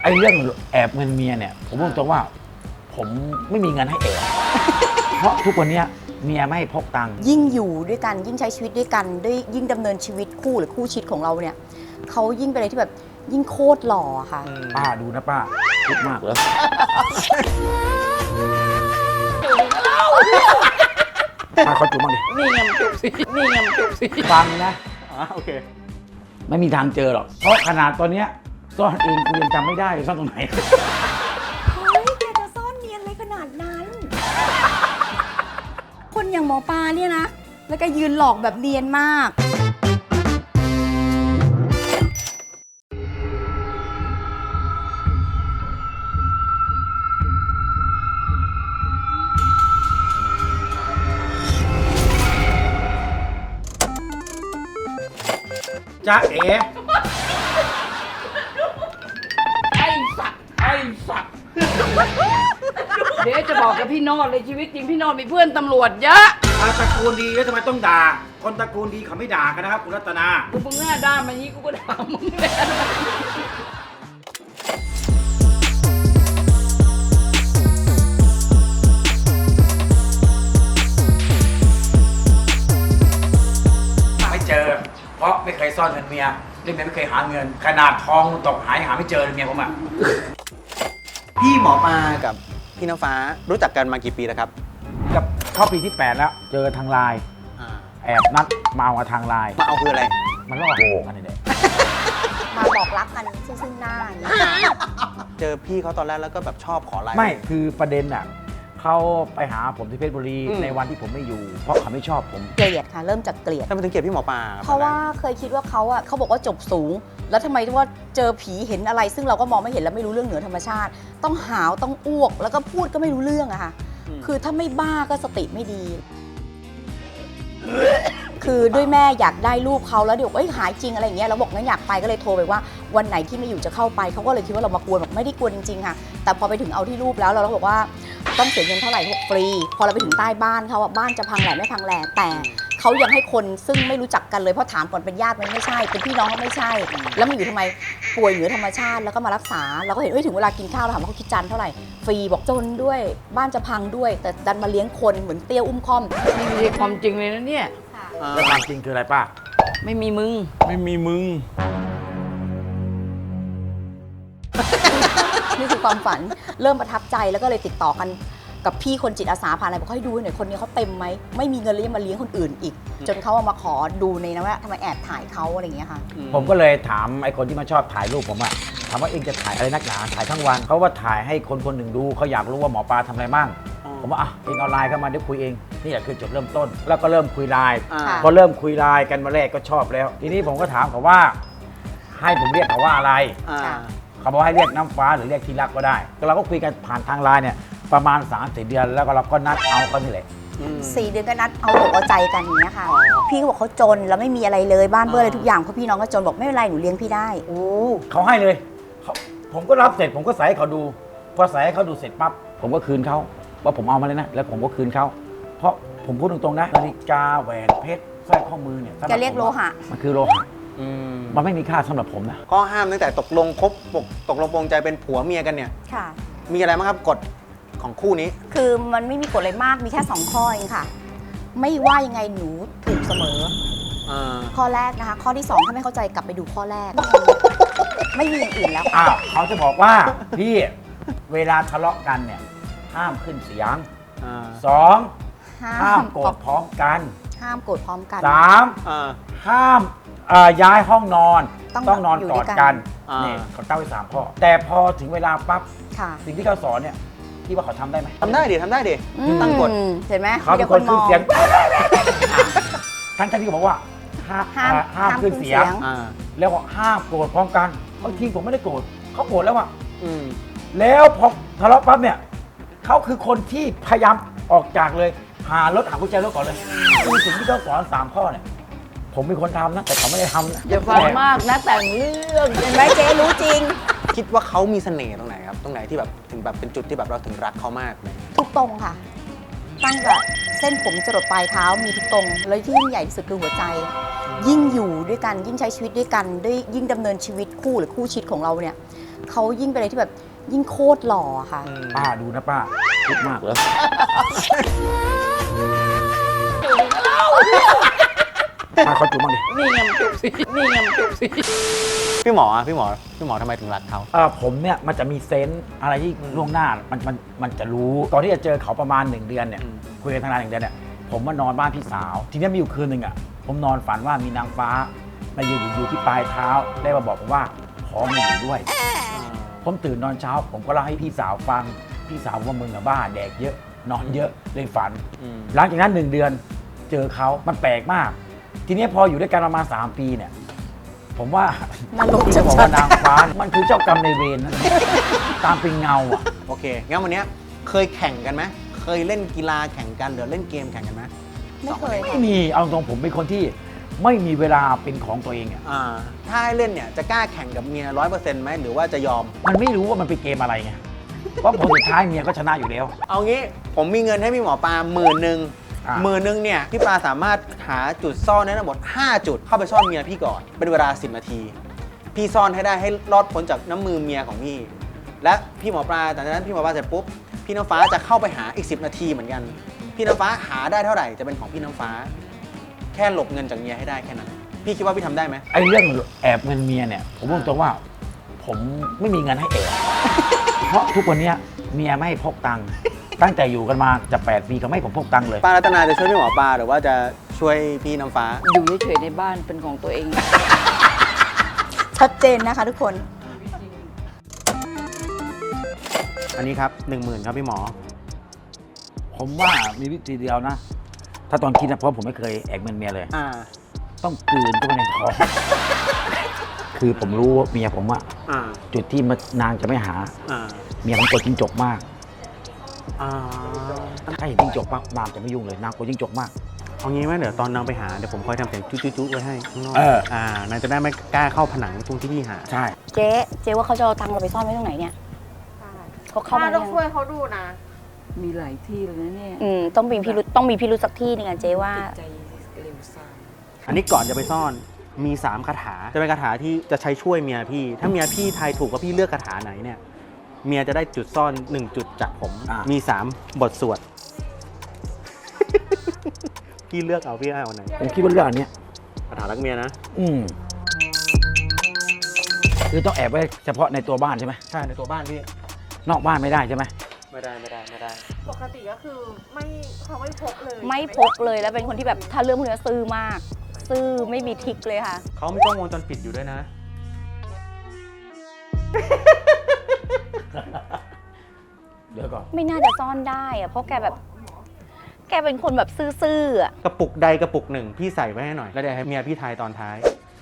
ไอ้เรื่องแอบเงินเมียเนี่ยผมบอกตรงว่าผมไม่มีเงินให้แอบเพราะทุกวันนี้เมียไม่ให้พกตังค์ยิ่งอยู่ด้วยกันยิ่งใช้ชีวิตด้วยกันด้วยยิ่งดำเนินชีวิตคู่หรือคู่ชีวิตของเราเนี่ยเขายิ่งเป็นอะไรที่แบบยิ่งโคตรหล่อค่ะป้าดูนะป้าคิดมากเหรอป้าเขาจุ๊บบ้างดินี่ไงมันจุ๊บสินี่ไงมันจุ๊บสิฟังนะโอเคไม่มีทางเจอหรอกเพราะขนาดตอนเนี้ยซ่อนเองกูยังจำไม่ได้ซ่อนตรงไหนเฮ้ยแกจะซ่อนเนียนอะไรขนาดนั้น คนอย่างหมอปลาเนี่ยนะแล้วก็ยืนหลอกแบบเนียนมากจ๊ะเอ๋ไอ้สัตว์เดี๋ยวจะบอกกับพี่โนอดเลยชีวิตจริงพี่โนอดมีเพื่อนตำรวจเยอะตระกูลดีแล้วทำไมต้องด่าคนตระกูลดีเขาไม่ด่ากันนะครับคุณรัตนากูมึงหน้าด้านมานี้กูก็ด่ามึงแหละไม่เจอเพราะไม่เคยซ่อนเงินเมียเรื่องเมียไม่เคยหาเงินขนาดทองตกหายหาไม่เจอเลยเมียผมอ่ะพี่หมอปลากับพี่น้ำฟ้ารู้จักกันมากี่ปีแล้วครับกับเข้าปีที่ 8 แล้วเจอทางไลน์แอบนัดมาเอาทางไลน์มาเอาคืออะไรมันล่อโหกันนี่แหละมาบอกรักกันซึ่งหน้าอย่างนี้เจอพี่เขาตอนแรกแล้วก็แบบชอบขอไลน์ไม่คือประเด็นอ่ะเขาไปหาผมที่เพชรบุรีในวันที่ผมไม่อยู่เพราะเขาไม่ชอบผมเกลียดค่ะเริ่มจากเกลียดทำไมถึงเกลียดพี่หมอปลาเพราะว่าเคยคิดว่าเขาบอกว่าจบสูงแล้วทำไมว่าเจอผีเห็นอะไรซึ่งเราก็มองไม่เห็นแล้วไม่รู้เรื่องเหนือธรรมชาติต้องหาวต้องอ้วกแล้วก็พูดก็ไม่รู้เรื่องอะค่ะคือถ้าไม่บ้าก็สติไม่ดีคือด้วยแม่อยากได้รูปเขาแล้วเดี๋ยวหายจริงอะไรอย่างเงี้ยเราบอกงั้นอยากไปก็เลยโทรไปว่าวันไหนที่ไม่อยู่จะเข้าไปเขาก็เลยคิดว่าเรามากวนบอกไม่ได้กวนจริงๆค่ะแต่พอไปถึงเอาที่รูปแล้วเราบอกว่าต้องเสียเงินเท่าไหร่บอกฟรีพอเราไปถึงใต้บ้านเขาบ้านจะพังแหล่ไม่พังแหล่แต่เขายังให้คนซึ่งไม่รู้จักกันเลยเพราะถามก่อนเป็นญาติมันไม่ใช่เป็นพี่น้องก็ไม่ใช่แล้วมันอยู่ทำไมป่วยเหนือธรรมชาติแล้วก็มารักษาเราก็เห็นถึงเวลากินข้าวเราถามว่าเขาคิดจานเท่าไหร่ฟรีบอกจนด้วยบ้านจะพังด้วยแต่ดันมาเลี้ยงคนเหมือนเตี้ยอุ้มค่อมนี่ไม่ใช่ความจริงเลยนะเนี่ยแล้วความจริงคืออะไรป้าไม่มีมึงนี่คือความฝันเริ่มประทับใจแล้วก็เลยติดต่อกันกับพี่คนจิตอาสาผ่านอะไรบอกให้ดูหน่อยคนนี้เขาเต็มไหมไม่มีเงินเลยยังมาเลี้ยงคนอื่นอีกจนเขาเอามาขอดูในนะว่าทำไมแอบถ่ายเขาอะไรอย่างเงี้ยค่ะผมก็เลยถามไอ้คนที่มาชอบถ่ายรูปผมอะถามว่าเองจะถ่ายอะไรนักหนาถ่ายทั้งวันเขาว่าถ่ายให้คนคนหนึ่งดูเขาอยากรู้ว่าหมอปลาทำอะไรบ้างผมว่าเองเอาไลน์เข้ามาเดี๋ยวคุยเองนี่แหละคือจุดเริ่มต้นแล้วก็เริ่มคุยไลน์พอเริ่มคุยไลน์กันมาแรกก็ชอบแล้วทีนี้ผมก็ถามเขาว่าให้ผมเรียกเขาว่าอะไรเขาบอกให้เรียกน้ำฟ้าหรือเรียกที่รักก็ได้เราก็คุยกันผ่านทางไลน์เนี่ยประมาณ3-4 เดือนแล้วก็เราก็นัดเอาเขานี่แหละ 4 เดือนก็นัดเอาอกเอาใจกันอย่างเงี้ยค่ะพี่เขาบอกเขาจนแล้วไม่มีอะไรเลยบ้านเบอร์อะไรทุกอย่างเพราะพี่น้องก็จนบอกไม่เป็นไรหนูเลี้ยงพี่ได้เขาให้เลยผมก็รับเสร็จผมก็ใส่ให้เขาดูพอใส่ให้เขาดูเสร็จปั๊บผมก็คืนเขาว่าผมเอามาเลยนะแล้วผมก็คืนเขาเพราะผมพูดตรงๆนะนาฬิกาแหวนเพชรสร้อยข้อมือเนี่ยจะเรียกโลหะมันคือโลหะมันไม่มีค่าสำหรับผมนะข้อห้ามตั้งแต่ตกลงปรงใจเป็นผัวเมียกันเนี่ยค่ะมีอะไรบ้างครับกฎของคู่นี้คือมันไม่มีกฎอะไรมากมีแค่2 ข้อเองค่ะไม่ว่ายังไงหนูถูกเสมอข้อแรกนะคะข้อที่2ถ้าไม่เข้าใจกลับไปดูข้อแรกไม่มีอย่างอื่นแล้วค่ะเขาจะบอกว่าพี่เวลาทะเลาะกันเนี่ยห้ามขึ้นเสียง2ห้ามโกรธพร้อมกัน3ห้ามย้ายห้องนอนต้องนอนกอดกันนี่เขาตั้งไว้3 ข้อแต่พอถึงเวลาปั๊บสิ่งที่เขาสอนเนี่ยที่ว่าเขาทำได้ไหมทำได้ดิตั้งกฎเห็นไหมเขาเป็นคนขึ้นเสียงทั้งที่เขาบอกว่าห้ามขึ้นเสียงแล้วก็ห้ามโกรธพร้อมกันบางทีผมไม่ได้โกรธเขาโกรธแล้วอ่ะแล้วพอทะเลาะปั๊บเนี่ยเขาคือคนที่พยายามออกจากเลยหารถหากุญแจรถก่อนเลยคือสิ่งที่เขาสอน3 ข้อเนี่ยผมเป็นคนทำนะแต่เขาไม่ได้ทำนะอย่าฟังมากนะแต่งเรื่องเห็นไหมเจ๊รู้จริงคิดว่าเขามีเสน่ห์ตรงไหนครับตรงไหนที่แบบถึงแบบเป็นจุดที่แบบเราถึงรักเขามากเลยทุกตรงค่ะตั้งแต่เส้นผมจรดปลายเท้ามีทุกตรงแล้วที่ยิ่งใหญ่ที่สุดคือหัวใจยิ่งอยู่ด้วยกันยิ่งใช้ชีวิตด้วยกันด้วยยิ่งดำเนินชีวิตคู่หรือคู่ชีวิตของเราเนี่ยเขายิ่งเป็นอะไรที่แบบยิ่งโคตรหล่ออะค่ะป้าดูนะป้าคิดมากเหรอป้าเขาจูบบ้างดินี่ไงมันจุกสินี่ไงมันจุกสิพี่หมอทำไมถึงรักเขาผมเนี่ยมันจะมีเซนส์อะไรที่ล่วงหน้ามันจะรู้ตอนที่จะเจอเขาประมาณ1 เดือนเนี่ยคุยกันทางนาน1 เดือนเนี่ยผมมานอนบ้านพี่สาวทีนี้มีอยู่คืนหนึ่งอ่ะผมนอนฝันว่ามีนางฟ้ามายืนอยู่ที่ปลายเท้าได้มาบอกผมว่าขอมาอยู่ด้วย ผมตื่นนอนเช้าผมก็เล่าให้พี่สาวฟังพี่สาวว่ามึงอะบ้าแดกเยอะนอนเยอะเลยฝัน หลังจากนั้น1 เดือนเจอเขามันแปลกมาก ทีนี้พออยู่ด้วยกันประมาณ3 ปีเนี่ยผมว่านรกที่ชัจะบอกดว่านางฟ้ามันคือเจ้ากรรมในายเวรนะตามเป็นเงาอ่ะโอเคงั้นวันเนี้ยเคยแข่งกันไหมเคยเล่นกีฬาแข่งกันหรือเล่นเกมแข่งกันไหมๆไม่เคยไม่ค่ะมีเอาตรงผมเป็นคนที่ไม่มีเวลาเป็นของตัวเองอ่ะถ้าให้เล่นเนี่ยจะกล้าแข่งกับเมีย100%ไหมหรือว่าจะยอมมันไม่รู้ว่ามันเป็นเกมอะไรไงเพราะผลสุดท้ายเมียก็ชนะอยู่แล้วเอางี้ผมมีเงินให้พี่หมอปลา10,000 อ่ะ 10,000เนี่ยพี่ปลาสามารถหาจุดซ่อนได้ทั้งหมด5 จุดเข้าไปซ่อนเมียพี่ก่อนเป็นเวลา10 นาที พี่ซ่อนให้ได้ให้รอดพ้นจากน้ำมือเมียของพี่ และพี่หมอปลาจากนั้นพี่หมอปลาเสร็จปุ๊บพี่น้ำฟ้าจะเข้าไปหาอีก10 นาทีเหมือนกัน พี่น้ำฟ้าหาได้เท่าไหร่จะเป็นของพี่น้ำฟ้า แค่หลบเงินจากเมียให้ได้แค่นั้นพี่คิดว่าพี่ทำได้ไหมไอ้เรื่องแอบเงินเมียเนี่ยผมบอกตรงว่า ผมไม่มีเงินให้แอบเพราะทุกวันเนี้ยเมียไม่ให้พกตังค์ตั้งแต่อยู่กันมาจะ8 ปีก็ไม่ให้ผมพกตังค์เลยป้ารัตนาจะช่วยพี่หมอปลาหรือว่าจะช่วยพี่น้ำฟ้าอยู่เฉยๆในบ้านเป็นของตัวเองชัดเจนนะคะทุกคนอันนี้ครับ 10,000 ครับพี่หมอผมว่ามีวิธีเดียวนะ ถ้าตอนคิดนะเพราะผมไม่เคยแอบเงินเมียเลย ต้องกลืนเข้าไปในท้อง คือผมรู้ว่าเมียผมอะจุดที่นางจะไม่หา เมียผมกลัวจิ้งจกมาก ถ้าเห็นจิ้งจกปั๊บนางจะไม่ยุ่งเลยนางกลัวจิ้งจกมากเอางี้ไหมเดี๋ยวตอนนางไปหาเดี๋ยวผมคอยทำเสียงจุ๊ๆไว้ให้ข้างนอก นางจะได้ไม่กล้าเข้าผนังตรงที่พี่หาใช่เจ๊ว่าเขาจะเอาตังค์เราไปซ่อนไว้ตรงไหนเนี่ยเขาเข้ามาป้าต้องช่วยเขาดูนะมีหลายที่เลยนะเนี่ยต้องมีพิรุธสักที่หนึงอะเจ๊ว่าใจเร็วซ่าอันนี้ก่อนจะไปซ่อนมี3 คาถาจะเป็นคาถาที่จะใช้ช่วยเมียพี่ ถ้าเมียพี่ทายถูกว่าพี่เลือกคาถาไหนเนี่ยเมียจะได้จุดซ่อน1 จุดจากผมมี3 บทสวด พี่เลือกเอาพี่เอาไหนผมคิดว่าเรื่องอันเนี้ยคาถารักเมียนะคือต้องแอบไว้เฉพาะในตัวบ้านใช่ไหมใช่ในตัวบ้านพี่นอกบ้านไม่ได้ใช่ไหมไม่ได้ปกติก็คือเขาไม่พกเลยไม่พกเลยแล้วเป็นคนที่แบบถ้าเรื่องพวกนี้ซื่อมาก ซื่อไม่มีทริกเลยค่ะเขามีกล้องวงจรปิดอยู่ด้วยนะเดี๋ยวก่อนไม่น่าจะซ่อนได้อะเพราะแกเป็นคนแบบซื่อๆอะกระปุกใดกระปุกหนึ่งพี่ใส่ไว้ให้หน่อยแล้วเดี๋ยวให้เมียพี่ทายตอนท้าย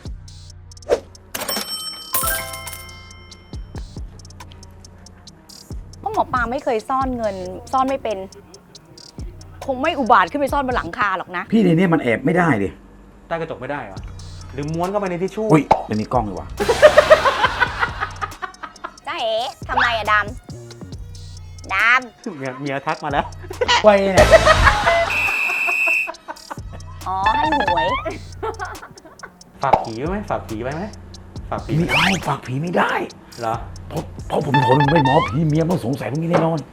เพราะหมอปลาไม่เคยซ่อนเงิน ซ่อนไม่เป็น คงไม่อุบาทขึ้นไปซ่อนบนหลังคาหรอกนะพี่ในนี้มันแอบไม่ได้ดิใต้กระจกไม่ได้เหรอ หรือม้วนเข้าไปในทิชชู่อุ้ยมันมีกล้องเลยวะจ้าเอ๋ทำไมอะดำเมียทักมาแล้วไว้เนี่ยอ๋อ ให้หวยฝากผีไว้ไหมฝากผีไว้ไหมฝากผีมีเอาฝากผีไม่ได้เหรอเพราะผมทนไม่หมอผีเมียต้องสงสัยพวกนี้แน่นอน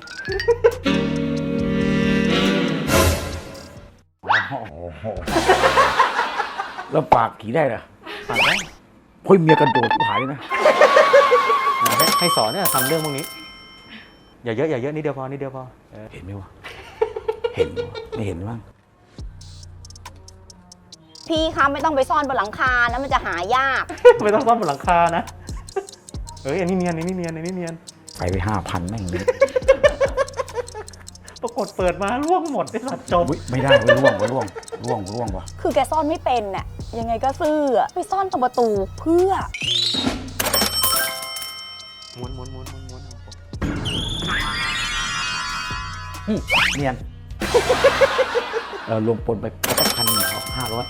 โอ้โหแล้วฝากผีได้เหรอฝากได้เฮ้ยเมียกันโดดทุกหายเลยนะให้สอนเนี่ยทำเรื่องพวกนี้ อย่าเยอะนิดเดียวพอเห็นไหมวะ เห็นวะไม่เห็นมั้งพี่คะไม่ต้องไปซ่อนบนหลังคานะมันจะหายากไม่ต้องซ่อมบนหลังคานะอันนี้เนียนไป5,000แม่งเลยปรากฏเปิดมาร่วงหมดไอ้สัตว์จบอุ๊ยไม่ได้เว้ยร่วงวะคือแกซ่อนไม่เป็นน่ะยังไงก็ซื่ออะไปซ่อนตรงประตูเพื่อม้วนเนียน รวมปนไปก็1,500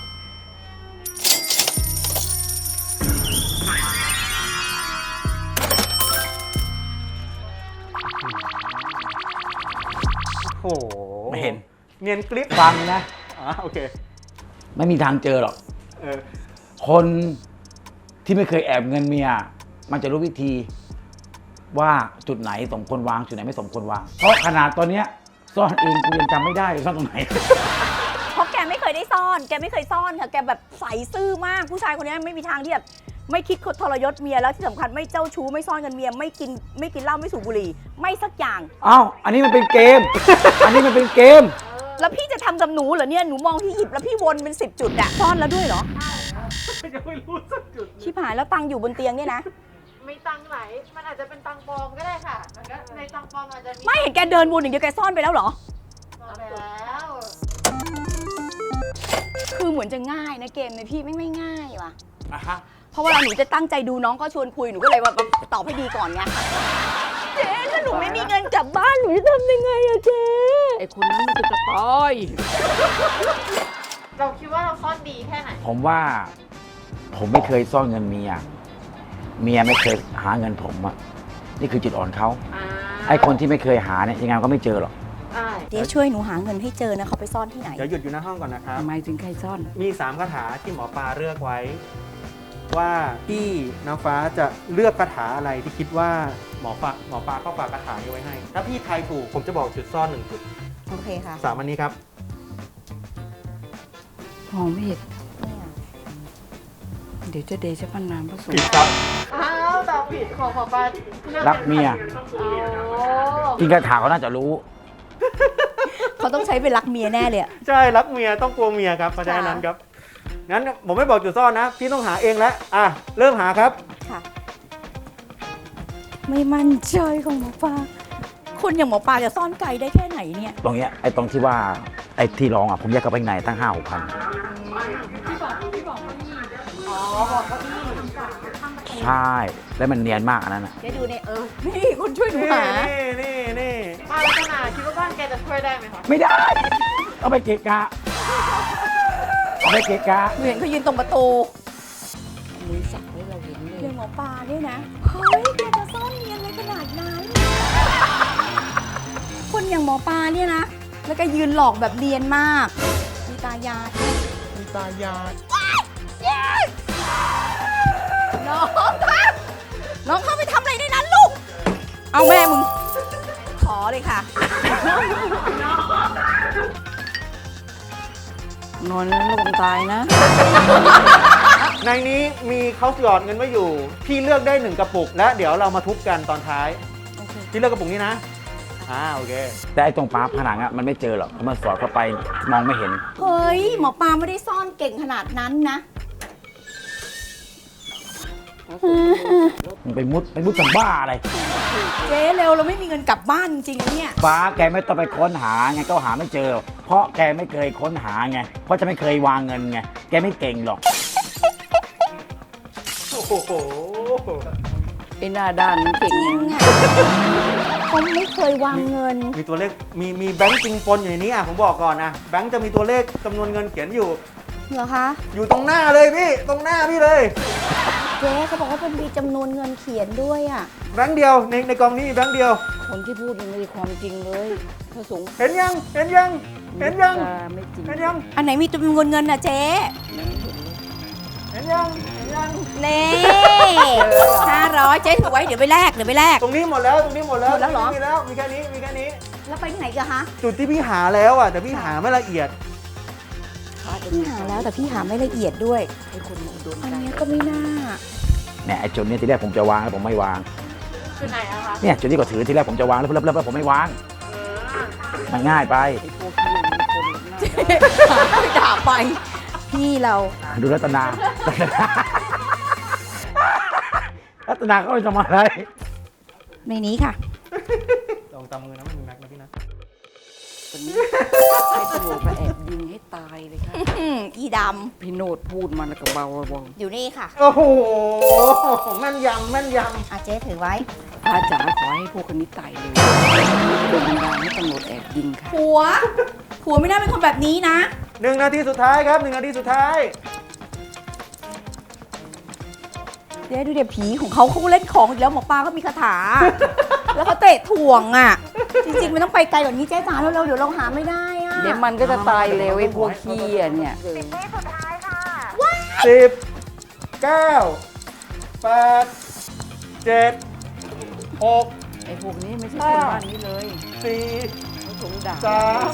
โอ้โหไม่เห็นเนียนกริปฟังนะโอเคไม่มีทางเจอหรอกเออคนที่ไม่เคยแอบเงินเมีย มันจะรู้วิธีว่าจุดไหนสมควรวางจุดไหนไม่สมควรวาง เพราะขนาดตอนเนี้ยซ่อนเองกูยังจำไม่ได้เลยซ่อนตรงไหนเพราะแกไม่เคยได้ซ่อน แกไม่เคยซ่อนค่ะ แกแบบใสซื่อมาก ผู้ชายคนนี้ไม่มีทางที่แบบไม่คิดคดทรยศเมียแล้วที่สำคัญไม่เจ้าชู้ไม่ซ่อนเงินเมียไม่กินเหล้าไม่สูบบุหรี่ไม่สักอย่างอ้าวอันนี้มันเป็นเกม อันนี้มันเป็นเกมแล้วพี่จะทำกับหนูเหรอเนี่ยหนูมองที่หยิบแล้วพี่วนเป็น10 จุดอะซ่อนแล้วด้วยเหรอยังไม่รู้สักจุดชิบหายแล้วตังค์อยู่บนเตียงเนี่ยนะไม่ตังค์ไหน มันอาจจะเป็นตังค์ปลอมก็ได้ค่ะมันก็ในตังค์ปลอมอาจจะมีไม่เห็นแกเดินวนอย่างเดียวแกซ่อนไปแล้วเหรอมาไปแล้วคือเหมือนจะง่ายนะเกมในพี่ไม่ง่ายว่ะอ่ะฮะเพราะเวลาหนูจะตั้งใจดูน้องก็ชวนคุยหนูก็เลยว่าตอบให้ดีก่อนไงเจ๊ถ้าหนูไม่มีเงินกลับบ้านหนูจะทำยังไงอะเจ๊ไอ้คนนั้นมันจะตายเราคิดว่าเราซ่อนดีแค่ไหนผมว่าผมไม่เคยซ่อนเงินเมีย เมียไม่เคยหาเงินผมอะนี่คือจุดอ่อนเขาไอ้คนที่ไม่เคยหาเนี่ยยังไงก็ไม่เจอหรอกเจ๊ช่วยหนูหาเงินให้เจอนะเขาไปซ่อนที่ไหนเดี๋ยวหยุดอยู่หน้าห้องก่อนนะครับทำไมถึงใครซ่อนมี 3 คาถาที่หมอปลาเลือกไว้ ว่าพี่น้ำฟ้าจะเลือกคาถาอะไรที่คิดว่าหมอปลาเข้าฝากคาถานี้ไว้ให้ ถ้าพี่ทายถูกผมจะบอกจุดซ่อน1 จุดโอเคค่ะ 3 อันนี้ครับมองไม่เห็นเนี่ยเดี๋ยวจะเดชะพันนามพระสงผิดฆ์ครับอ้าวตอบผิดของปาลือรักเมียโอ้กินกระถาเขาน่าจะรู้เขาต้องใช้เป็นรักเมียแน่เลยอะใช่รักเมียต้องกลัวเมียครับเพราะฉะนั้นครับ งั้นผมไม่บอกจุดซ่อนนะ พี่ต้องหาเองแล้วอ่ะเริ่มหาครับค่ะ ไม่มั่นใจของหมอปลาคนอย่างหมอปลาจะซ่อนไกลได้แค่ไหนเนี่ยตรงเนี้ยไอ้ตรงที่ว่าไอ้ที่ร้องอ่ะผมแยกเข้าไปข้างในตั้ง5-6 พันใช่แล้วมันเนียนมากอันนั้นอ่ะเจ๊ดูเนี่ยนี่คนช่วยหนูหานี่ป้าลักษณะคิดว่าบ้านแกจะช่วยได้ไหมคะไม่ได้ เอาไปเกะกะเอาไปเกะกะหนูเห็นเขายืนตรงประตูมือสักไว้เราเห็นเลเรื่ยองหมอปลาเนี่ยนะ เฮ้ยแกจะซ่อนเนียนอะไรขนาดนั้น คนอย่างหมอปลาเนี่ยนะ แล้วก็ยืนหลอกแบบเนียนมากมีตายายมีตายายน้องคะน้องเข้าไปทำอะไรในนั้นลูก เอาแม่มึง ขอเลยค่ะนอนแล้วระวังตายนะในนี้มีเขาหยอดเงินไว้อยู่ พี่เลือกได้1 กระปุก และเดี๋ยวเรามาทุบกันตอนท้ายโอเคพี่เลือกกระปุกนี้นะโอเคแต่ไอ้ตรงปลาผนังอ่ะมันไม่เจอหรอกเพราะมันสอดเข้าไปมองไม่เห็นเฮ้ย หมอปลาไม่ได้ซ่อนเก่งขนาดนั้นนะมันไปมุดสัมบ้าอะไรเจ๊เร็วเราไม่มีเงินกลับบ้านจริงๆนะเนี่ยฟ้าแกไม่ต้องไปค้นหาไงก็หาไม่เจอ เพราะแกไม่เคยค้นหาไงเพราะจะไม่เคยวางเงินไงแกไม่เก่งหรอกโอ้โหไอ้หน้าด้านมันเก่งจริงนะอ่ะเขาไม่เคยวางเงินมีตัวเลขมีแบงค์จริงปนอยู่ในนี้ผมบอกก่อนนะแบงค์จะมีตัวเลขจำนวนเงินเขียนอยู่เหรอคะอยู่ตรงหน้าเลยพี่ตรงหน้าพี่เลยเจ๊เขาบอกว่ามันมีจำนวนเงินเขียนด้วยอ่ะแบงค์เดียวในกองนี้มีแบงค์เดียวคนที่พูดมันไม่ใช่ความจริงเลยพระสงฆ์เห็นยังไม่จริงเห็นยังอันไหนมีจำนวนเงินอ่ะเจ๊เห็นยังเน่500เจ๊ถือไว้เดี๋ยวไปแลกตรงนี้หมดแล้วหมดแล้วเหรอมีแล้วมีแค่นี้แล้วไปที่ไหนกันคะจุดที่พี่หาแล้วอ่ะแต่พี่หาไม่ละเอียดพี่หาแล้วแต่พี่หาไม่ละเอียดด้วยให้คนมาโดนอันใจเนี้ยก็ไม่น่าเนี่ยไอ้จุดเนี้ทีแรกผมจะวางแล้วผมไม่วางคือไหนอะคะเนี่ยจุดที่ก็ถือทีแรกผมจะวางแล้วผมไม่วาง มันง่ายไปไอ้พวกที่มันคนหน้าด้านไม่ด่าไป พี่เราดูรัตนา รัตนาเขาจะมาอะไรในนี้ค่ะลองตามมือนะมันมีแม็กนะพี่นะคนนี้ให้ตำรวจมาแอบยิงให้ตายเลยค่ะอีดพี่โนดพูดมาแล้วก็เบาำอยู่นี่ค่ะโอ้โหแม่นยำอาเจ๊ถือไว้ๆพระจ๋าขอให้พวกคนนี้ตายเลยโดนบันดาลให้ตำรวจแอบยิงค่ะผัวไม่น่าเป็นคนแบบนี้นะ 1 นาทีสุดท้ายครับ1 นาทีสุดท้ายเดี๋ยวดูเดี๋ยวผีของเขาเล่นของอีกแล้วหมอปลาก็มีคาถา แล้วเขาเตะถ่วงอ่ะ จริงๆมันต้องไปไกลกว่านี้เจ๊จ๋าเร็วๆเดี๋ยวเราหาไม่ได้อ่ะเดี๋ยวมันก็จะตายเร็วไอ้พวกขี้อ่ะเนี่ย 10 9 8 7 6 ไอ้พวกนี้ไม่ใช่คนบ้านนี้เลย 4 เขาสงด่า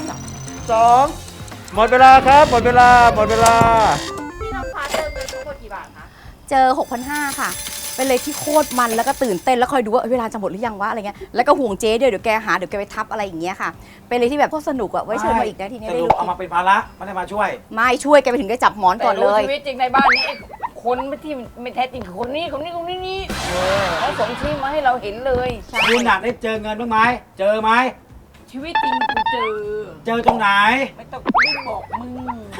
2 หมดเวลาครับ หมดเวลา หมดเวลาพี่น้ำฟ้าเจอเงินทั้งหมดกี่บาทคะเจอ 6,500 ค่ะ เป็นเลยที่โคตรมันแล้วก็ตื่นเต้นแล้วคอยดูว่าเวลาจะหมดหรือยังวะอะไรเงี้ยแล้วก็ห่วงเจ๊ด้วยเดี๋ยวแกหาเดี๋ยวแกไปทับอะไรอย่างเงี้ยค่ะ เป็นเลยที่แบบโคตรสนุกอะไว้เชิญมาอีกนะทีนี้สได้รุปรู้เอามาเป็นภาระไม่ได้มาช่วยไม่ช่วยแกไปถึงได้จับหมอนก่อนเลแต่รู้ยชีวิตจริงในบ้านนี้ไอ้คนที่ไม่แท้จริงคือคนนี้นี่เขาส่งชื่อมาให้เราเห็นเลยคุณน่ะได้เจอเงินบ้างไหมเจอไหมชีวิตจริงกูเจอเจอตรงไหนไม่ต้องรีบบอกมึง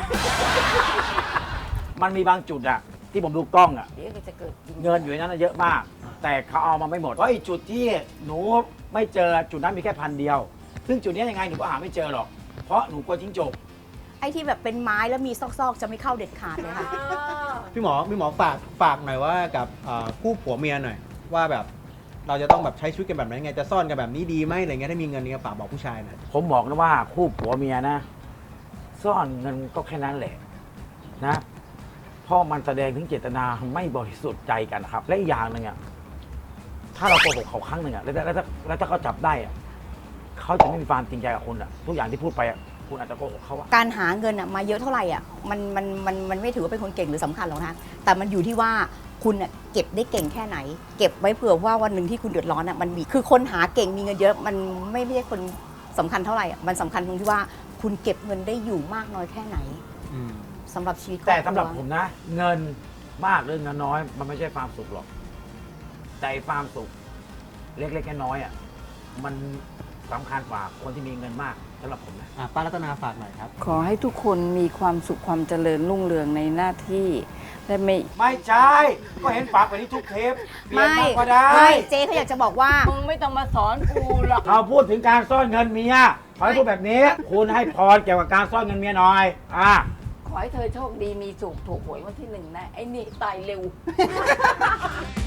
มันมีบางจุดอะที่ผมดูกล้องอะเดี๋ยวก็จะเกิดจริงเงินอยู่ในนั้นนะเยอะมาก แต่เขาเอามาไม่หมดเพราะไอ้จุดที่หนูไม่เจอจุดนั้นมีแค่1,000 เดียว ซึ่งจุดนี้ยังไงหนูก็หาไม่เจอหรอกเพราะหนูกลัวจิ้งจกไอ้ที่แบบเป็นไม้แล้วมีซอกๆ จะไม่เข้าเด็ดขาดเลยค่ะพี่หมอฝากหน่อยว่ากับคู่ผัวเมียหน่อย ว่าแบบเราจะต้องแบบใช้ชีวิตกันแบบไหนไงจะซ่อนกันแบบนี้ดีไหมอะไรเงี้ยถ้ามีเงินเนี่ยฝากบอกผู้ชายหน่อยผมบอกนะว่าคู่ผัวเมียนะ ซ่อนเงินก็แค่นั้นแหละนะเพราะมันแสดงถึงเจตนาไม่บริสุทธิ์ใจกันนะครับ และอีกอย่างหนึ่งอะถ้าเราโกหกเขาครั้งหนึ่งอะแล้วถ้าเขาจับได้อะเขาจะไม่มีความจริงใจกับคุณอะทุกอย่างที่พูดไปอะคุณอาจจะโกหกเขาอะการหาเงินอะมาเยอะเท่าไหร่อะมันไม่ถือว่าเป็นคนเก่งหรือสำคัญหรอกนะแต่มันอยู่ที่ว่าคุณอะเก็บได้เก่งแค่ไหน เก็บไว้เผื่อว่าวันหนึ่งที่คุณเดือดร้อนอะมันมีคือคนหาเก่งมีเงินเยอะมันไม่ใช่คนสำคัญเท่าไหร่อะมันสำคัญตรงที่ว่าคุณเก็บเงินได้อยู่มากน้อยแค่ไหนสำหรับชีวิตครอบครัวแต่สำหรับผมนะ เงินมากหรือเงินน้อย มันไม่ใช่ความสุขหรอก แต่ความสุขเล็กๆน้อยๆอ่ะมันสำคัญกว่าคนที่มีเงินมากสำหรับผมนะป้ารัตนาฝากหน่อยครับขอให้ทุกคนมีความสุขความเจริญรุ่งเรืองในหน้าที่และไม่ไม่ใช่ ก็เห็นฝากไปที่ทุกเทปเปลี่ยนไม่มากก็ได้ไม่เจ๊เขาอยากจะบอกว่ามึงไม่ต้องมาสอนกูหรอกเราพูดถึงการซ่อนเงินเมียขอให้พูดแบบนี้ คุณให้พรเกี่ยวกับการซ่อนเงินเมียหน่อยขอให้เธอโชคดีมีสุขถูกหวยวันที่ 1นะ ไอ้นี่ตายเร็ว